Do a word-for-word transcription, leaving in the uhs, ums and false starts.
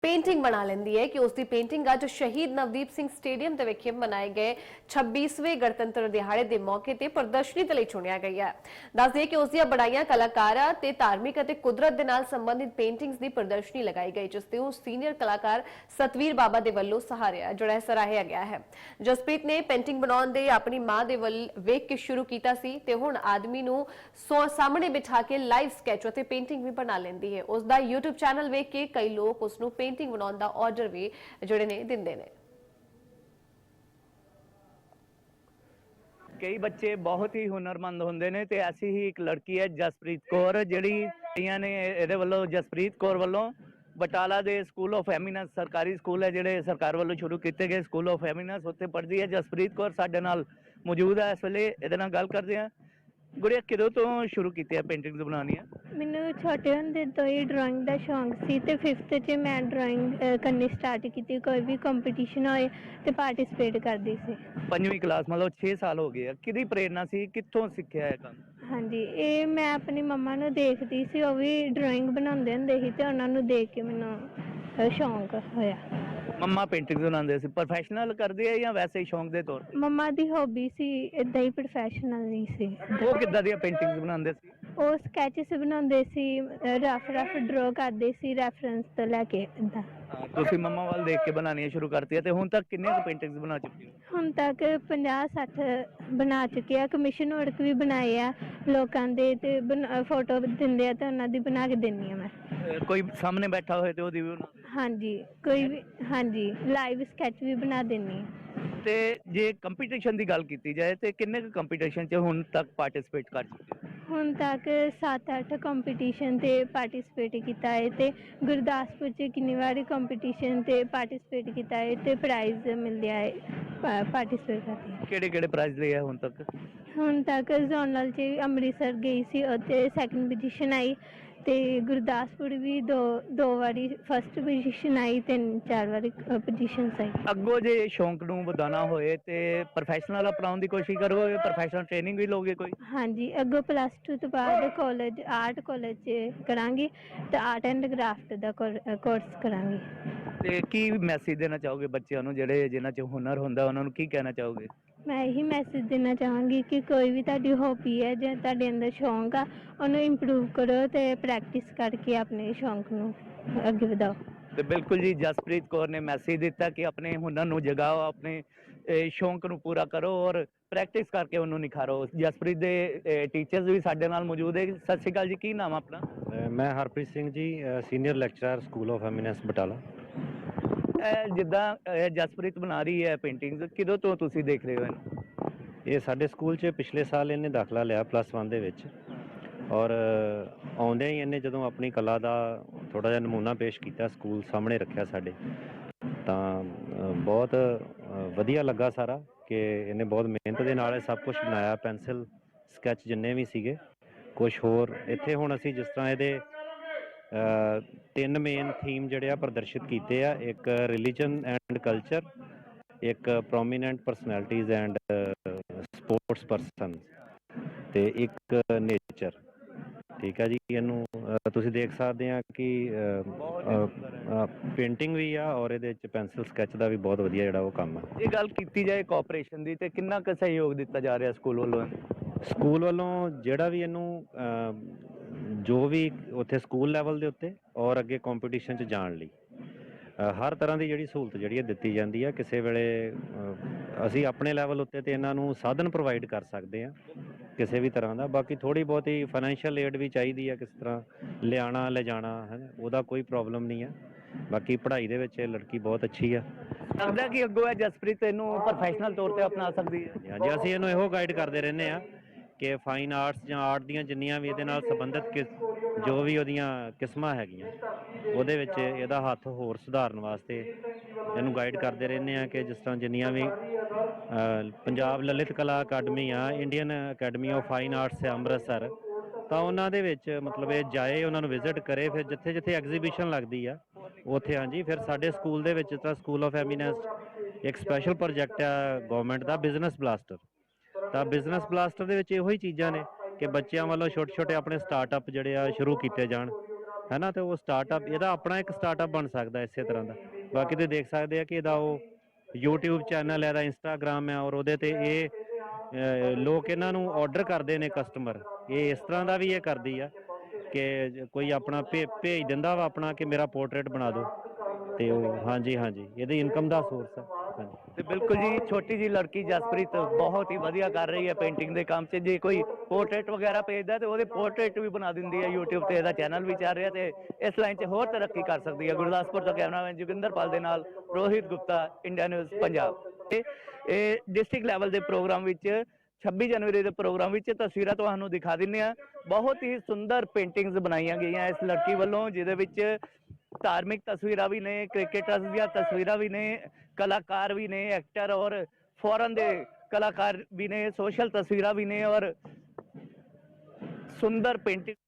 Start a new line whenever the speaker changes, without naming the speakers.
Painting बना लेंदी है कि उसकी पेंटिंग अज शहीद नवदीप सिंह स्टेडियम ਦੇ ਵਿਖੇ ਮਨਾਏ ਗਏ ਛੱਬੀਸਵੇਂ ਗਣਤੰਤਰ ਦਿਹਾੜੇ ਦੇ ਮੌਕੇ ਤੇ ਪ੍ਰਦਰਸ਼ਨੀ ਦੇ ਲਈ ਚੁਣਿਆ ਗਿਆ ਹੈ। ਦੱਸ ਦਈਏ ਕਿ ਉਸ ਦੀਆਂ ਬੜਾਈਆਂ ਕਲਾਕਾਰਾਂ ਤੇ ਧਾਰਮਿਕ ਅਤੇ ਕੁਦਰਤ ਦੇ ਨਾਲ ਸੰਬੰਧਿਤ ਪੇਂਟਿੰਗਸ ਦੀ ਪ੍ਰਦਰਸ਼ਨੀ ਲਗਾਈ ਗਈ, ਜਿਸ ਤੇ ਸੀਨੀਅਰ ਕਲਾਕਾਰ ਸਤਵੀਰ ਬਾਬਾ ਦੇ ਵੱਲੋਂ ਸਹਾਰਿਆ ਜਿਹੜਾ ਸਰਾਹਿਆ ਗਿਆ ਹੈ। ਜਸਪ੍ਰੀਤ ਨੇ ਪੇਂਟਿੰਗ ਬਣਾਉਣ ਦੇ ਆਪਣੀ ਮਾਂ ਦੇ ਵੱਲ ਵੇਖ ਕੇ ਸ਼ੁਰੂ ਕੀਤਾ ਸੀ ਤੇ ਹੁਣ ਆਦਮੀ ਨੂੰ ਸਾਹਮਣੇ ਬਿਠਾ ਕੇ ਲਾਈਵ ਸਕੈਚ ਅਤੇ ਪੇਂਟਿੰਗ ਵੀ ਬਣਾ ਲੈਂਦੀ ਹੈ। ਉਸ ਦਾ YouTube ਚੈਨਲ ਵੇਖ ਕੇ ਕਈ ਲੋਕ ਉਸ ਨੂੰ पेंटिंग बनाने का ऑर्डर भी जोड़े ने दिंदे ने।
कई बच्चे बहुत ही हुनरमंद होंदे ने ते ऐसी ही एक लड़की है जसप्रीत कौर जिहड़ी ने इहदे वल्लों जसप्रीत कौर वल्लों बटाला दे स्कूल ऑफ एमिनेंस सरकारी स्कूल है जिहड़े सरकार वल्लों शुरू किए गए स्कूल ऑफ एमिनेंस उत्थे पढ़दी है जसप्रीत कौर साडे नाल मौजूद है। इस वेले इहदे नाल गल करदे हां। गुड़िया किदों तो शुरू की पेंटिंग्स बनानियां?
ਮੈਨੂੰ ਛੋਟੇ ਹੁੰਦੇ ਤੋਂ ਹੀ ਡਰਾਇੰਗ ਦਾ ਸ਼ੌਂਕ ਸੀ ਤੇ ਫਿਫਥ 'ਚ ਮੈਂ ਡਰਾਇੰਗ ਕਰਨੀ ਸਟਾਰਟ ਕੀਤੀ। ਕੋਈ ਵੀ ਕੰਪੀਟੀਸ਼ਨ ਹੋਏ ਤੇ ਪਾਰਟਿਸਿਪੇਟ ਕਰਦੀ ਸੀ।
ਪੰਜਵੀਂ ਕਲਾਸ मतलब छे साल हो गए। किहदी प्रेरणा सी, कित्थों सिੱਖਿਆ ਇਹ ਕੰਮ?
ਹਾਂਜੀ, ਇਹ ਮੈਂ ਆਪਣੀ ਮੰਮਾ ਨੂੰ ਦੇਖਦੀ ਸੀ, ਉਹ ਵੀ ਡਰਾਇੰਗ ਬਣਾਉਂਦੇ ਹੁੰਦੇ ਸੀ ਤੇ ਉਹਨਾਂ ਨੂੰ ਦੇਖ ਕੇ ਮੈਨੂੰ ਸ਼ੌਂਕ ਹੋਇਆ।
ਮੰਮਾ ਪੇਂਟਿੰਗਸ ਬਣਾਉਂਦੇ ਸੀ, ਪ੍ਰੋਫੈਸ਼ਨਲ ਕਰਦੇ ਆ ਜਾਂ ਵੈਸੇ ਹੀ ਸ਼ੌਂਕ ਦੇ ਤੌਰ?
ਮੰਮਾ ਦੀ ਹੌਬੀ ਸੀ, ਇਦਾਂ ਹੀ ਪ੍ਰੋਫੈਸ਼ਨਲ ਨਹੀਂ ਸੀ।
ਉਹ ਕਿੱਦਾਂ ਦੀਆਂ ਪੇਂਟਿੰਗਸ ਬਣਾਉਂਦੇ ਸੀ?
ਉਹ ਸਕੈਚਸ ਬਣਾਉਂਦੇ ਸੀ, ਰਫ ਰਫ ਡਰਾ ਕਰਦੇ ਸੀ ਰੈਫਰੈਂਸ ਤੋਂ ਲੈ ਕੇ ਇਦਾਂ।
ਤੁਸੀਂ ਮੰਮਾ ਵੱਲ ਦੇਖ ਕੇ ਬਣਾਉਣੀਆਂ ਸ਼ੁਰੂ ਕਰਤੀਆਂ ਤੇ ਹੁਣ ਤੱਕ ਕਿੰਨੇ ਕੁ ਪੇਂਟਿੰਗਸ ਬਣਾ ਚੁੱਕੇ ਹੋ?
ਹੁਣ ਤੱਕ ਪੰਜਾਹ ਸੱਠ ਬਣਾ ਚੁੱਕੇ ਆ। ਕਮਿਸ਼ਨ ਵਰਕ ਵੀ ਬਣਾਏ ਆ ਲੋਕਾਂ ਦੇ ਤੇ ਫੋਟੋ ਦਿੰਦੇ ਆ ਤੇ ਉਹਨਾਂ ਦੀ ਬਣਾ ਕੇ ਦਿੰਦੀ ਆ ਮੈਂ।
ਕੋਈ ਸਾਹਮਣੇ ਬੈਠਾ ਹੋਏ ਤੇ ਉਹਦੀ ਵੀ ਬਣਾ?
ਹਾਂਜੀ, ਕੋਈ ਵੀ। ਹਾਂਜੀ, ਲਾਈਵ ਸਕੈਚ ਵੀ ਬਣਾ ਦਿੰਦੀ ਆ।
ਤੇ ਜੇ ਕੰਪੀਟੀਸ਼ਨ ਦੀ ਗੱਲ ਕੀਤੀ ਜਾਏ ਤੇ ਕਿੰਨੇ ਕੁ ਕੰਪੀਟੀਸ਼ਨ 'ਚ ਹੁਣ ਤੱਕ ਪਾਰਟਿਸਿਪੇਟ ਕਰ ਚੁੱਕੇ ਹੋ?
ਹੁਣ ਤੱਕ ਸੱਤ ਅੱਠ ਕੰਪੀਟੀਸ਼ਨ ਤੇ ਪਾਰਟਿਸਿਪੇਟ ਕੀਤਾ ਹੈ ਤੇ ਗੁਰਦਾਸਪੁਰ 'ਚ ਕਿੰਨੀ ਵਾਰੀ ਕੰਪੀਟੀਸ਼ਨ ਤੇ ਪਾਰਟਿਸਿਪੇਟ ਕੀਤਾ ਹੈ ਤੇ ਪ੍ਰਾਈਜ਼ ਮਿਲਦਾ ਹੈ ਪਾਰਟਿਸਿਪੇਟ ਕਰਕੇ।
ਕਿਹੜੇ ਕਿਹੜੇ ਪ੍ਰਾਈਜ਼ ਲਏ ਆ ਹੁਣ ਤੱਕ?
ਹੁਣ ਤੱਕ ਜ਼ੋਨਲ 'ਚ ਅੰਮ੍ਰਿਤਸਰ ਗਈ ਸੀ, ਉੱਥੇ ਸੈਕਿੰਡ ਪੋਜੀਸ਼ਨ ਆਈ ਤੇ ਗੁਰਦਾਸਪੁਰ ਵੀ ਦੋ ਦੋ ਵਾਰੀ ਫਸਟ ਪੋਜੀਸ਼ਨ ਆਈ, ਤਿੰਨ ਚਾਰ ਵਾਰੀ ਪੋਜੀਸ਼ਨਸ ਆਈ।
ਅੱਗੋਂ ਜੇ ਸ਼ੌਂਕ ਨੂੰ ਵਧਾਉਣਾ ਹੋਏ ਤੇ ਪ੍ਰੋਫੈਸ਼ਨਲ ਅਪਣਾਉਣ ਦੀ ਕੋਸ਼ਿਸ਼ ਕਰੋਗੇ? ਪ੍ਰੋਫੈਸ਼ਨਲ ਟ੍ਰੇਨਿੰਗ ਵੀ ਲਓਗੇ ਕੋਈ?
ਹਾਂਜੀ, ਅੱਗੋਂ ਪਲੱਸ ਟੂ ਤੋਂ ਬਾਅਦ ਕਾਲਜ ਆਰਟ ਕਾਲਜ 'ਚ ਕਰਾਂਗੀ ਤੇ ਆਰਟ ਐਂਡ ਕਰਾਫਟ ਦਾ ਕੋਰਸ ਕਰਾਂਗੀ।
ਤੇ ਕੀ ਮੈਸੇਜ ਦੇਣਾ ਚਾਹੋਗੇ ਬੱਚਿਆਂ ਨੂੰ ਜਿਹੜੇ ਜਿਨ੍ਹਾਂ 'ਚ ਹੁਨਰ ਹੁੰਦਾ, ਉਹਨਾਂ ਨੂੰ ਕੀ ਕਹਿਣਾ ਚਾਹੋਗੇ?
ਮੈਂ ਇਹੀ ਮੈਸੇਜ ਦੇਣਾ ਚਾਹਾਂਗੀ ਕਿ ਕੋਈ ਵੀ ਤੁਹਾਡੀ ਹੌਬੀ ਹੈ ਜਾਂ ਤੁਹਾਡੇ ਅੰਦਰ ਸ਼ੌਂਕ ਆ, ਉਹਨੂੰ ਇੰਪਰੂਵ ਕਰੋ ਤੇ ਪ੍ਰੈਕਟਿਸ ਕਰਕੇ ਆਪਣੇ ਸ਼ੌਂਕ ਨੂੰ ਅੱਗੇ ਵਧਾਓ।
ਤੇ ਬਿਲਕੁਲ ਜੀ, ਜਸਪ੍ਰੀਤ ਕੌਰ ਨੇ ਮੈਸੇਜ ਦਿੱਤਾ ਕਿ ਆਪਣੇ ਹੁਨਰ ਨੂੰ ਜਗਾਓ, ਆਪਣੇ ਸ਼ੌਂਕ ਨੂੰ ਪੂਰਾ ਕਰੋ ਔਰ ਪ੍ਰੈਕਟਿਸ ਕਰਕੇ ਉਹਨੂੰ ਨਿਖਾਰੋ। ਜਸਪ੍ਰੀਤ ਦੇ ਟੀਚਰਸ ਵੀ ਸਾਡੇ ਨਾਲ ਮੌਜੂਦ ਹੈ। ਸਤਿ ਸ਼੍ਰੀ ਅਕਾਲ ਜੀ, ਕੀ ਨਾਮ ਆਪਣਾ?
ਮੈਂ Harpreet Singh ji, senior lecturer school of eminence Batala.
ਜਿੱਦਾਂ ਜਸਪ੍ਰੀਤ ਬਣਾ ਰਹੀ ਹੈ ਪੇਂਟਿੰਗਸ, ਕਿਦੋਂ ਤੋਂ ਤੁਸੀਂ ਦੇਖ ਰਹੇ ਹੋ ਇਹਨੂੰ?
ਇਹ ਸਾਡੇ ਸਕੂਲ 'ਚ ਪਿਛਲੇ ਸਾਲ ਇਹਨੇ ਦਾਖਲਾ ਲਿਆ ਪਲੱਸ ਵਨ ਦੇ ਵਿੱਚ, ਔਰ ਆਉਂਦਿਆਂ ਹੀ ਇਹਨੇ ਜਦੋਂ ਆਪਣੀ ਕਲਾ ਦਾ ਥੋੜ੍ਹਾ ਜਿਹਾ ਨਮੂਨਾ ਪੇਸ਼ ਕੀਤਾ, ਸਕੂਲ ਸਾਹਮਣੇ ਰੱਖਿਆ ਸਾਡੇ, ਤਾਂ ਬਹੁਤ ਵਧੀਆ ਲੱਗਾ ਸਾਰਾ ਕਿ ਇਹਨੇ ਬਹੁਤ ਮਿਹਨਤ ਦੇ ਨਾਲ ਇਹ ਸਭ ਕੁਛ ਬਣਾਇਆ। ਪੈਨਸਿਲ ਸਕੈਚ ਜਿੰਨੇ ਵੀ ਸੀਗੇ, ਕੁਛ ਹੋਰ ਇੱਥੇ ਹੁਣ ਅਸੀਂ ਜਿਸ ਤਰ੍ਹਾਂ ਇਹਦੇ ਤਿੰਨ ਮੇਨ ਥੀਮ ਜਿਹੜੇ ਆ ਪ੍ਰਦਰਸ਼ਿਤ ਕੀਤੇ ਆ, ਇੱਕ ਰਿਲੀਜਨ ਐਂਡ ਕਲਚਰ, ਇੱਕ prominent personalities and sports person ਤੇ ਇੱਕ ਨੇਚਰ। ਠੀਕ ਆ ਜੀ, ਇਹਨੂੰ ਤੁਸੀਂ ਦੇਖ ਸਕਦੇ ਆ ਕਿ ਪੇਂਟਿੰਗ ਵੀ ਆ ਔਰ ਇਹਦੇ ਵਿੱਚ ਪੈਨਸਿਲ ਸਕੈਚ ਦਾ ਵੀ ਬਹੁਤ ਵਧੀਆ ਜਿਹੜਾ ਉਹ ਕੰਮ ਆ।
ਇਹ ਗੱਲ ਕੀਤੀ ਜਾਏ ਕੋਆਪਰੇਸ਼ਨ ਦੀ, ਤੇ ਕਿੰਨਾ ਕੁ ਸਹਿਯੋਗ ਦਿੱਤਾ ਜਾ ਰਿਹਾ ਸਕੂਲ ਵੱਲੋਂ?
ਸਕੂਲ ਵੱਲੋਂ ਜਿਹੜਾ ਵੀ ਇਹਨੂੰ ਜੋ ਵੀ ਉੱਥੇ ਸਕੂਲ ਲੈਵਲ ਦੇ ਉੱਤੇ ਔਰ ਅੱਗੇ ਕੰਪੀਟੀਸ਼ਨ 'ਚ ਜਾਣ ਲਈ ਹਰ ਤਰ੍ਹਾਂ ਦੀ ਜਿਹੜੀ ਸਹੂਲਤ ਜਿਹੜੀ ਹੈ ਦਿੱਤੀ ਜਾਂਦੀ ਹੈ। ਕਿਸੇ ਵੇਲੇ ਅਸੀਂ ਆਪਣੇ ਲੈਵਲ ਉੱਤੇ ਤੇ ਇਹਨਾਂ ਨੂੰ ਸਾਧਨ ਪ੍ਰੋਵਾਈਡ ਕਰ ਸਕਦੇ ਹਾਂ ਕਿਸੇ ਵੀ ਤਰ੍ਹਾਂ ਦਾ। ਬਾਕੀ ਥੋੜ੍ਹੀ ਬਹੁਤੀ ਫਾਈਨੈਂਸ਼ੀਅਲ ਏਡ ਵੀ ਚਾਹੀਦੀ ਹੈ, ਕਿਸ ਤਰ੍ਹਾਂ ਲਿਆਉਣਾ ਲਿਜਾਣਾ ਹੈ, ਉਹਦਾ ਕੋਈ ਪ੍ਰੋਬਲਮ ਨਹੀਂ ਹੈ। ਬਾਕੀ ਪੜ੍ਹਾਈ ਦੇ ਵਿੱਚ ਇਹ ਲੜਕੀ ਬਹੁਤ ਅੱਛੀ ਆ।
ਲੱਗਦਾ ਕਿ ਅੱਗੋਂ ਹੈ ਜਸਪ੍ਰੀਤ ਇਹਨੂੰ ਪ੍ਰੋਫੈਸ਼ਨਲ ਤੌਰ ਤੇ ਅਪਣਾ ਸਕਦੀ ਹੈ?
ਹਾਂਜੀ, ਅਸੀਂ ਇਹਨੂੰ ਇਹੋ ਗਾਈਡ ਕਰਦੇ ਰਹਿੰਦੇ ਹਾਂ ਕਿ ਫਾਈਨ ਆਰਟਸ ਜਾਂ ਆਰਟ ਦੀਆਂ ਜਿੰਨੀਆਂ ਵੀ ਇਹਦੇ ਨਾਲ ਸੰਬੰਧਿਤ ਕਿਸ ਜੋ ਵੀ ਉਹਦੀਆਂ ਕਿਸਮਾਂ ਹੈਗੀਆਂ, ਉਹਦੇ ਵਿੱਚ ਇਹਦਾ ਹੱਥ ਹੋਰ ਸੁਧਾਰਨ ਵਾਸਤੇ ਇਹਨੂੰ ਗਾਈਡ ਕਰਦੇ ਰਹਿੰਦੇ ਹਾਂ। ਕਿ ਜਿਸ ਤਰ੍ਹਾਂ ਜਿੰਨੀਆਂ ਵੀ ਪੰਜਾਬ ਲਲਿਤ ਕਲਾ ਅਕੈਡਮੀ ਆ, Indian academy of fine arts ਹੈ ਅੰਮ੍ਰਿਤਸਰ, ਤਾਂ ਉਹਨਾਂ ਦੇ ਵਿੱਚ ਮਤਲਬ ਇਹ ਜਾਏ, ਉਹਨਾਂ ਨੂੰ ਵਿਜ਼ਿਟ ਕਰੇ, ਫਿਰ ਜਿੱਥੇ ਜਿੱਥੇ ਐਗਜ਼ੀਬਿਸ਼ਨ ਲੱਗਦੀ ਆ ਉੱਥੇ। ਹਾਂਜੀ, ਫਿਰ ਸਾਡੇ ਸਕੂਲ ਦੇ ਵਿੱਚ ਜਿਸ ਤਰ੍ਹਾਂ ਸਕੂਲ ਆਫ ਐਮੀਨੈਂਸ ਇੱਕ ਸਪੈਸ਼ਲ ਪ੍ਰੋਜੈਕਟ ਆ ਗੌਰਮੈਂਟ ਦਾ, ਬਿਜ਼ਨਸ ਬਲਾਸਟਰ। ਤਾਂ ਬਿਜ਼ਨਸ ਬਲਾਸਟਰ ਦੇ ਵਿੱਚ ਇਹੋ ਹੀ ਚੀਜ਼ਾਂ ਨੇ ਕਿ ਬੱਚਿਆਂ ਵੱਲੋਂ ਛੋਟੇ ਛੋਟੇ ਆਪਣੇ ਸਟਾਰਟਅਪ ਜਿਹੜੇ ਆ ਸ਼ੁਰੂ ਕੀਤੇ ਜਾਣ ਹੈ ਨਾ, ਤੇ ਉਹ ਸਟਾਰਟਅਪ ਇਹਦਾ ਆਪਣਾ ਇੱਕ ਸਟਾਰਟਅਪ ਬਣ ਸਕਦਾ ਇਸੇ ਤਰ੍ਹਾਂ ਦਾ। ਬਾਕੀ ਤੁਸੀਂ ਦੇਖ ਸਕਦੇ ਆ ਕਿ ਇਹਦਾ ਉਹ YouTube ਚੈਨਲ ਹੈ, ਇਹਦਾ ਇੰਸਟਾਗ੍ਰਾਮ ਹੈ, ਔਰ ਉਹਦੇ ਤੇ ਇਹ ਅਹ, ਲੋਕ ਇਹਨਾਂ ਨੂੰ ਆਰਡਰ ਕਰਦੇ ਨੇ ਕਸਟਮਰ। ਇਹ ਇਸ ਤਰ੍ਹਾਂ ਦਾ ਵੀ ਇਹ ਕਰਦੀ ਆ ਕਿ ਕੋਈ ਆਪਣਾ ਭੇ ਭੇਜ ਦਿੰਦਾ ਵਾ ਆਪਣਾ ਕਿ ਮੇਰਾ ਪੋਰਟਰੇਟ ਬਣਾ ਦਿਓ, ਤੇ ਉਹ ਹਾਂਜੀ ਹਾਂਜੀ ਇਹਦੀ ਇਨਕਮ ਦਾ ਸੋਰਸ ਹੈ। ਹਾਂਜੀ
ਤੇ ਬਿਲਕੁਲ ਜੀ, ਛੋਟੀ ਜੀ ਲੜਕੀ ਜਸਪ੍ਰੀਤ ਬਹੁਤ ਹੀ ਵਧੀਆ ਕਰ ਰਹੀ ਹੈ ਪੇਂਟਿੰਗ ਦੇ ਕੰਮ 'ਚ। ਜੇ ਕੋਈ ਪੋਰਟਰੇਟ ਵਗੈਰਾ ਭੇਜਦਾ ਤੇ ਉਹਦੇ ਪੋਰਟਰੇਟ ਵੀ ਬਣਾ ਦਿੰਦੀ ਹੈ। YouTube ਤੇ ਇਹਦਾ ਚੈਨਲ ਵੀ ਚੱਲ ਰਿਹਾ ਤੇ ਇਸ ਲਾਈਨ 'ਚ ਹੋਰ ਤਰੱਕੀ ਕਰ ਸਕਦੀ ਹੈ। ਗੁਰਦਾਸਪੁਰ ਤੋਂ ਕੈਮਰਾਮੈਨ ਜੋਗਿੰਦਰਪਾਲ ਦੇ ਨਾਲ ਰੋਹਿਤ ਗੁਪਤਾ, ਇੰਡੀਆ ਨਿਊਜ਼ ਪੰਜਾਬ। ਇਹ ਇਹ ਡਿਸਟ੍ਰਿਕਟ ਲੈਵਲ ਦੇ ਪ੍ਰੋਗਰਾਮ ਵਿੱਚ ਛੱਬੀ ਜਨਵਰੀ ਦੇ ਪ੍ਰੋਗਰਾਮ ਵਿੱਚ ਤਸਵੀਰਾਂ ਤੁਹਾਨੂੰ ਦਿਖਾ ਦਿੰਦੇ ਹਾਂ। ਬਹੁਤ ਹੀ ਸੁੰਦਰ ਪੇਂਟਿੰਗਸ ਬਣਾਈਆਂ ਗਈਆਂ ਇਸ ਲੜਕੀ ਵੱਲੋਂ, ਜਿਹਦੇ ਵਿੱਚ ਧਾਰਮਿਕ ਤਸਵੀਰਾਂ ਵੀ ਨੇ, ਕ੍ਰਿਕਟਰਸ ਦੀਆਂ ਤਸਵੀਰਾਂ ਵੀ ਨੇ, ਕਲਾਕਾਰ ਵੀ ਨੇ, ਐਕਟਰ ਔਰ ਫੋਰਨ ਦੇ ਕਲਾਕਾਰ ਵੀ ਨੇ, ਸੋਸ਼ਲ ਤਸਵੀਰਾਂ ਵੀ ਨੇ ਔਰ ਸੁੰਦਰ ਪੇਂਟਿੰਗ